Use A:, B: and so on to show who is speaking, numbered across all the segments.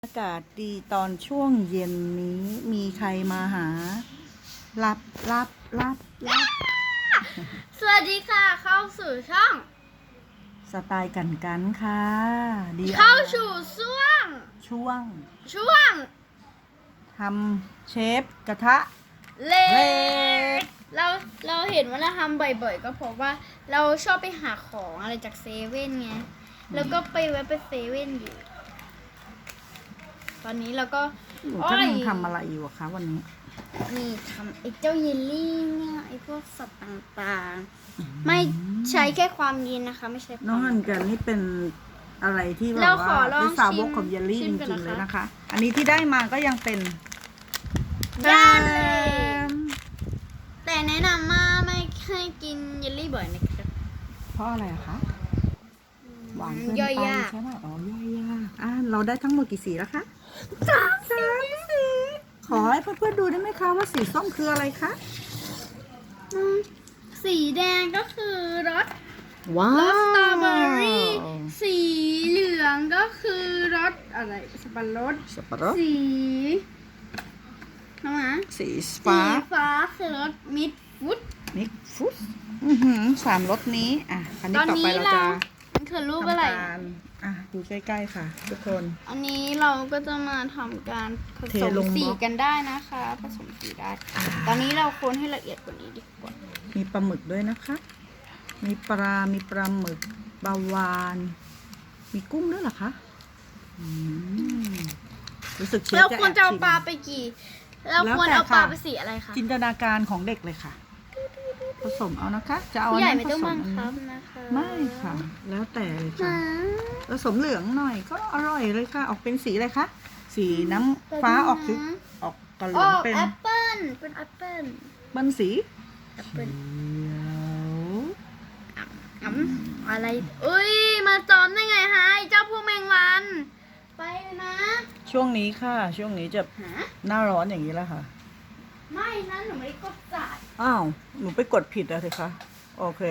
A: อากาศดีตอนช่วงเย็นนี้มีใครมาหารับ
B: สวัสดีค่ะเข้าสู่ช่อง
A: สไตล์กันค่ะดี
B: เข้าสู่ช่วง
A: ช่วงทำเชฟกระทะ
B: เล็กเราเห็นว่าเราทำบ่อยๆก็เพราะว่าเราชอบไปหาของอะไรจากเซเว่นไงแล้วก็ไปแวะไปเซเว่นอยู่ตอนนี้เราก็
A: หนูกำลังทำอะไรอยู่อะคะวันนี้
B: นี่ทำไอ้เจ้าเยลลี่เนี่ยไอ้พวกสัตว์ต่างๆไม่ใช้แค่ความเย็นนะคะไม่ใช่ความ
A: น้องฮันกันนี่เป็นอะไรที่แบบ
B: เราขอ
A: ว่า
B: ลอง
A: เป็นสาวก
B: ชิม
A: ของเยลลี่
B: ชิ
A: จ
B: มกัน
A: ริงๆ
B: นะคะ
A: เลยนะคะ อันนี้ที่ได้มาก็ยังเป็น
B: ย่านเลยแต่แนะนำว่าไม่ให้กินเยลลี่บ่อยนะครับ
A: เพราะอะไรอะคะหวานเกิน
B: ย่อย
A: ไป
B: ยาก
A: ใช่ไหมอ๋อย่อยยากเราได้ทั้งหมดกี่สีแล้วคะสามสีขอให้เพื่อนๆดูได้ไหมคะว่าสีส้มคืออะไรคะ
B: สีแดงก็คือรส
A: ว้าร
B: สสตรอเบอ
A: ว
B: รี่สีเหลืองก็คือรสอะไรสับปะรด
A: สับปะรด
B: สีน้องหมา
A: สี
B: สี
A: ฟ้า
B: ฟ้าคือรสมิดฟุต
A: มิกฟุตสามรสนี้อันนี้
B: ตอน
A: ต่อ
B: นี้
A: ไปเราจะ
B: มันคือรูปอะไร
A: ทำการดูใกล้ๆค่ะ ทุกคน
B: อันนี้เราก็จะมาทำการผ
A: เท
B: สม
A: ลง
B: สี
A: บล็อก
B: กันได้นะคะ ผสมสีได้ ตอนนี้เราคนให้ละเอียดกว่านี้ดีกว่า
A: มีปลาหมึกด้วยนะคะ มีปลาหมึกปลาวานมีกุ้งด้วยเหรอคะรู้สึกเชฟ
B: เรา
A: จะ
B: ควรจะเอา
A: แบชิม
B: ปลาไปกี่เรา
A: แล้ว
B: ควร
A: แต่
B: เอาปลา
A: ค่ะ
B: ไปสีอะไรคะ
A: จินตนาการของเด็กเลยค่ะ ผสมเอานะคะ จะเอา
B: ผู้
A: อัน
B: ใหญ่
A: นั้น
B: ไม่
A: ผ
B: ต้อง
A: สม
B: บัง
A: อัน
B: คั
A: นี้
B: บนะคะ
A: ไม่ค่ะ แล้วแต่เลยค่ะ
B: หา
A: ผสมเหลืองหน่อยก็อร่อยเลยค่ะ ออกเป็นสีอะไรคะสีน้ำฟ้าออกสีออกกระเหลื
B: อ
A: อง
B: อก
A: เป็น
B: แอปเปิ้ลเป็นแอปเปิ้ล
A: มันสี
B: แอปเปิ้ล
A: เขียว
B: อะไรอุ้ยมาจอมได้ไงฮะไอ้เจ้าพวกแมงวันไปเลยนะ
A: ช่วงนี้ค่ะ ช่วงนี้จะ
B: หา
A: หน้าร้อนอย่างนี้แล้วค่ะ
B: ไม่นะหนูไม่ได้กดจ่าย
A: อ้าวหนูไปกดผิดอะสิคะโอเค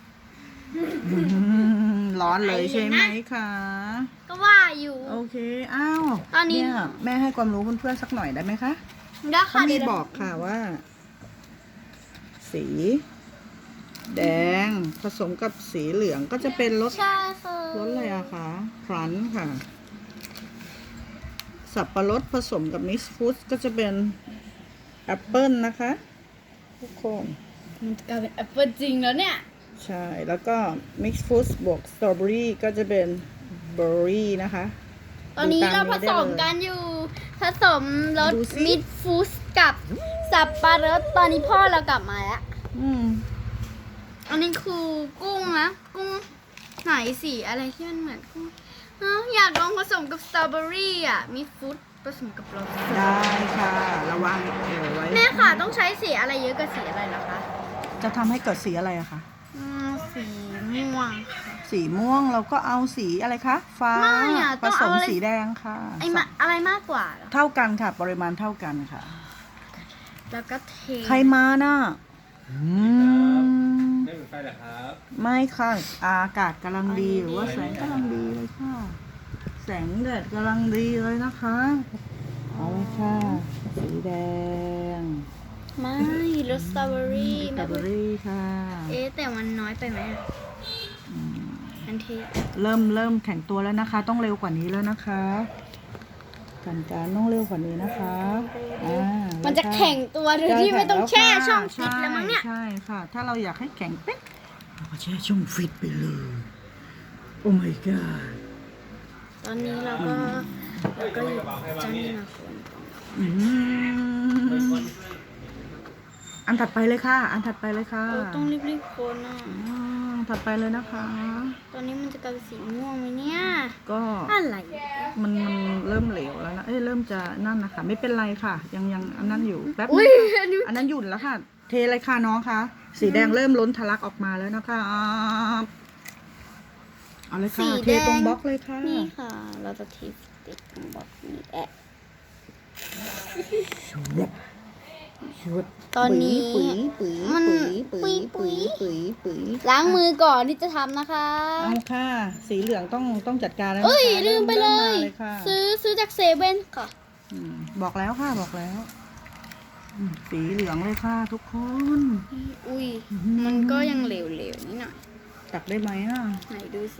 A: ร้อนเลยใช่ไหมคะ
B: ก็ว่าอยู่
A: โอเคอ้าว
B: ตอนนี้
A: เยแม่ให้ความรู้เพื่อนๆสักหน่อยได้ไหมคะ
B: ได้
A: เขา
B: ค่ะ
A: มี
B: เดี๋ยว
A: บอกค่ะว่า สี แดงผสมกับสีเหลืองก็จะเป็นรส
B: ใช่ค่ะ
A: รสอะไรอะคะครันค่ะ สับปะรดผสมกับมิกซ์ฟรุตก็จะเป็นแอปเปิลนะคะทุกคน
B: มันจะกลายเป็นแอปเปิ้ลจริงแล้วเนี่ย
A: ใช่ แล้วก็มิกซ์ฟรุตบวกสตรอเบอรี่ก็จะเป็นเบอร์รี่นะคะ
B: ตอนนี้
A: ดู
B: เรา
A: ต
B: ผสม
A: ได้เลย
B: กันอยู่ ผสมรส
A: ดูสิ
B: มิดฟูสกับสับปะรดตอนนี้พ่อเรากลับมาแล้ว
A: อืม
B: อันนี้คือกุ้งนะกุ้งไหนสีอะไรที่มันเหมือนกุ้งอยากลองผสมกับสตรอเบอรี่อ่ะมิดฟูสผสมกับรส
A: ได้ค่ะ ระวังไว้
B: แม่ค่ะต้องใช้สีอะไรเยอะกับสีอะไรเหรอคะ
A: จะทำให้เกิดสีอะไรอะคะ
B: สีม่วงค่ะ
A: สีม่วงเราก็เอาสีอะไรคะ ฟ้า
B: ไม่อะ
A: ผ
B: ต้อง
A: ส
B: เอา
A: ม
B: อะไร
A: สีแดงค่ะ
B: อะไรมากกว่าเหรอ
A: เท่ากันค่ะ ปริมาณเท่ากันค่ะ
B: แล้วก็เท
A: ใครมาน่ะ
C: ไม่เหมือนไฟเหรอครับ
A: ไม่ค่ะ อากาศกำลังดีหรือว่าแสงกำลังดีเลยค่ะ แสงแดดกำลังดีเลยนะคะเอาเลยค่ะ สีแดง
B: ไม่รสสตรอเบอรี่
A: สตรอเบอรี่ค่ะ
B: แต่มันน้อยไปไหมอะมันเท
A: เริ่มแข็งตัวแล้วนะคะ ต้องเร็วกว่านี้แล้วนะคะการต้องเร็วกว่านี้นะคะ
B: มันจะแข็งตัวโดยที่ไม่ต้องแช่ช่องฟิตแล้วมั้งเนี่ย
A: ใช่ค่ะ ถ้าเราอยากให้แข็งเป๊ะเราก็แช่ช่องฟิตไปเลย โอ้ my god
B: ตอนนี้เราก็หยิบเจ้านี่มาคน
A: อืมอันถัดไปเลยค่ะ อันถัดไปเลยค่ะ
B: ต้องรีบๆคนอ่ะ
A: ถัดไปเลยนะคะ
B: ตอนนี้มันจะกลายเป็นสีม่วงไหมเนี่ย
A: ก็
B: อะไร
A: มันเริ่มเหลวแล้วนะเริ่มจะนั่นนะคะไม่เป็นไรค่ะ ยังอันนั้นอยู่แป๊บนึ
B: อุ้
A: ง
B: ย
A: ค่ะ
B: อันนี้
A: อันนั้นหยุดแล้วค่ะ เทเลยค่ะน้องคะสีแดงเริ่มล้นทะลักออกมาแล้วนะคะเอาเลยค่ะ เทตรงบล็อกเลยค่ะ
B: นี่ค่ะ เราจะทีติดตรงบล็อกนี้แอะ
A: ชุด
B: ตอนนี้
A: ปุ๋ยปุ๋ย
B: มัน
A: ปุ๋ยปุ๋ย
B: ปุ๋
A: ปุ๋
B: ย
A: ยปุ๋ย
B: ล้างมือก่อนที่จะทำนะคะ
A: เอาค่ะ สีเหลืองต้องจัดการแล้ว
B: เอ้ย
A: นะคะ
B: ลืมไปเลย
A: ริ่มมาค่ะ
B: ซื้อจากเซเว่นค่ะ
A: บอกแล้วค่ะบอกแล้วสีเหลืองเลยค่ะทุกคน
B: อุ้ย มันก็ยังเหลวๆนิดหน่อย
A: ตักได้ไหมอ่ะ
B: ไหนดูสิ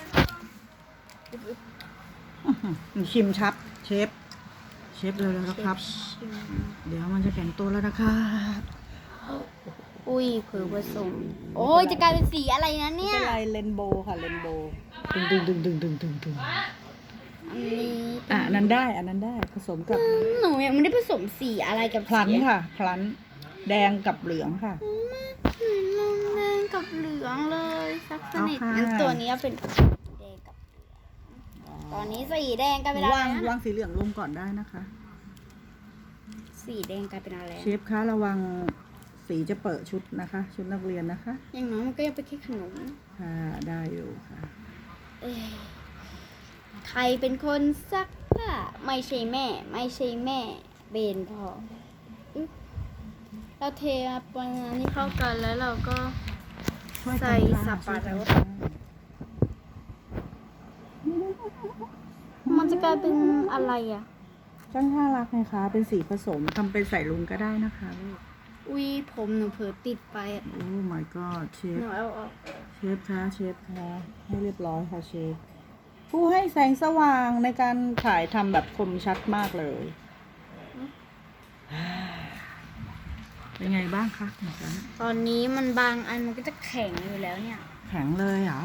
A: ชิมชับเชฟเร็วๆนะครับ เดี๋ยวมันจะแข็งตัวแล้วนะครับ
B: อุ้ยเผือผสม โอ้ยจะกลายเป็นสีอะไรนะ
A: ไม่
B: เนี่ย
A: เป็นไรเรนโบว์ค่ะเรนโบว์ดึง
B: อันนี้
A: อันนั้นได้ผสมกับ
B: หนูยังไม่ได้ผสมสีอะไรกับ
A: พลัน
B: สี
A: ค่ะพลันแดงกับเหลืองค่ะ
B: ลงแดงกับเหลืองเลยสักสนิท
A: เอาค่ะ
B: งั้นตัวนี้เป็นแดงกับเหลืองตอนนี้สีแดงกลายเป็นอะไร
A: วาง
B: นะ
A: สีเหลืองลงก่อนได้นะคะ
B: สีแดงกลายเป็นอะไร
A: เชฟคะระวังสีจะเปิดชุดนะคะ ชุดนักเรียนนะคะ
B: อย่างน้อยมันก็ยังเป็นแค่ขนม
A: ค่ะได้อยู่ค่ะ
B: เอ้ยใครเป็นคนซักผ้าไม่ใช่แม่ เบนพออึ๊บเราเทปนนี้เข้ากันแล้วเราก็
A: ช่วยกัน
B: ใส่
A: ค่ะ
B: สับปะรด
A: ช่วยกันค่ะ
B: มันจะกลายเป็นอะไรอ่ะ
A: ช่างน่ารักไงคะเป็นสีผสมทำเป็นใส่ลุงก็ได้นะคะลูก
B: อุ้ยผมหนูเผลอติดไปอ่ะ
A: โอ้ my god เช
B: ห
A: ฟ
B: นูเอาออก
A: เชฟคะให้เรียบร้อยค่ะเชฟผู้ให้แสงสว่างในการถ่ายทำแบบคมชัดมากเลยเป็นไงบ้างคะของฉัน
B: ตอนนี้มันบางอันมันก็จะแข็งอยู่แล้วเนี่ย
A: แข็งเลยเหรอ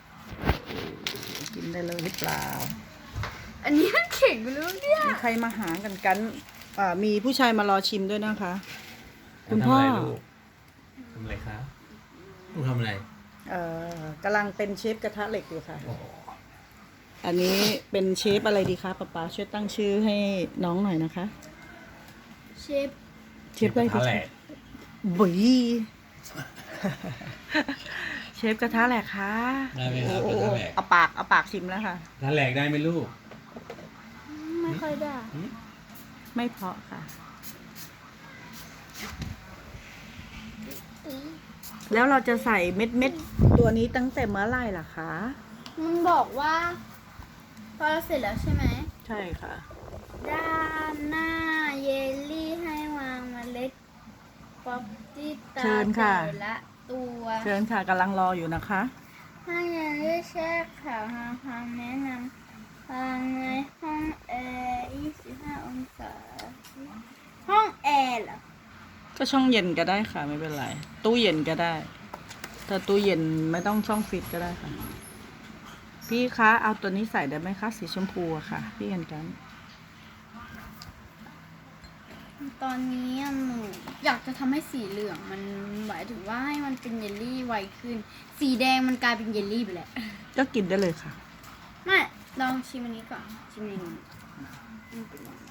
A: กินได้เลยหรือเปล่า
B: อันนี้มันแข็งอยู่แล้วเนี่ย
A: มีใครมาหากันมีผู้ชายมารอชิมด้วยนะคะ คุณ
C: ทำ
A: พ่อ
C: อะไรลูกทำอะไรครับลูกทำอะไร
A: กำลังเป็นเชฟกระทะเหล็กอยู่ค่ะ อันนี้เป็นเชฟอะไรดีคะป๊าช่วยตั้งชื่อให้น้องหน่อยนะคะ
B: เชฟ
A: เชฟอะไรดี
C: กระทะแหล
A: คะ
C: ก
A: บุย เชฟกระทะแหลกคะ
C: ได้ไหมครับ
A: โอ้
C: กระ
A: โห
C: ทะแหลก
A: เอาปากชิมแล้วค่ะ
C: กระทะแหลกได้ไหมลูก
B: ไม่ค่อยได้
A: ไม่เพราะค่ะ แล้วเราจะใส่เม็ดตัวนี้ตั้งแต่เมื่อไหร่ล่ะคะ
B: มันบอกว่า พอเราเสร็จแล้วใช่ไหม
A: ใช่ค่ะ
B: ด้านหน้าเยลลี่ให้วางเมล็ดป๊อปตี้ตา
A: เชิญค่ะ
B: แต่ละตัว
A: เชิญค่ะกำลังรออยู่นะคะ
B: ถ้าเยลลี่แช่ขาวทางความแนะนำวางในห้องแอร์25 องศา ห้องแอร์เหรอ
A: ก็ช่องเย็นก็ได้ค่ะไม่เป็นไร ตู้เย็นก็ได้ ถ้าตู้เย็นไม่ต้องช่องฟิตก็ได้ค่ะ พี่คะเอาตัวนี้ใส่ได้ไหมคะสีชมพูอะค่ะ พี่กัน
B: ตอนนี้อะหนูอยากจะทำให้สีเหลืองมันหมายถึงว่าให้มันเป็นเยลลี่ไวขึ้น สีแดงมันกลายเป็นเยลลี่ไปแล้ว
A: ก็กินได้เลยค่ะ
B: ไม่ลองชิมอันนี้ก่อน ชิมอันนี้มันเป็นยังไง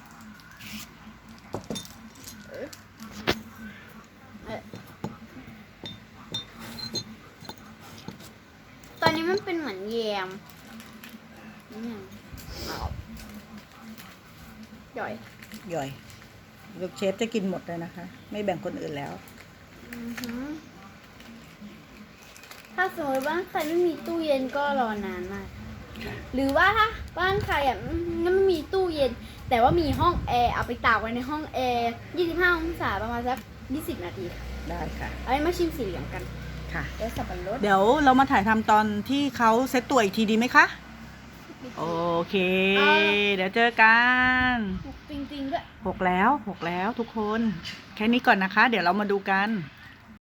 B: ตอนนี้มันเป็นเหมือนแยมนี่ไงย่อย
A: ย่อยลูกเชฟจะกินหมดเลยนะคะ ไม่แบ่งคนอื่นแล้ว
B: อือหือถ้าสมมติบ้านใครไม่มีตู้เย็นก็รอนานมาก หรือว่าถ้าบ้านใครอ่ะไม่มีตู้เย็น แต่ว่ามีห้องแอร์เอาไปตากไว้ในห้องแอร์25 องศาประมาณสัก20 นาทีค่ะ
A: ได้ค่ะ
B: เอาไว้มาชิมสีเหลืองกัน
A: ค่ะ
B: แล้วสับปะรด
A: เดี๋ยวเรามาถ่ายทำตอนที่เขาเซตตัวอีกทีดีไหมคะ โอเค เดี๋ยวเจอกัน
B: จริงๆด้วย
A: 6 แล้วทุกคน แค่นี้ก่อนนะคะ เดี๋ยวเรามาดูกัน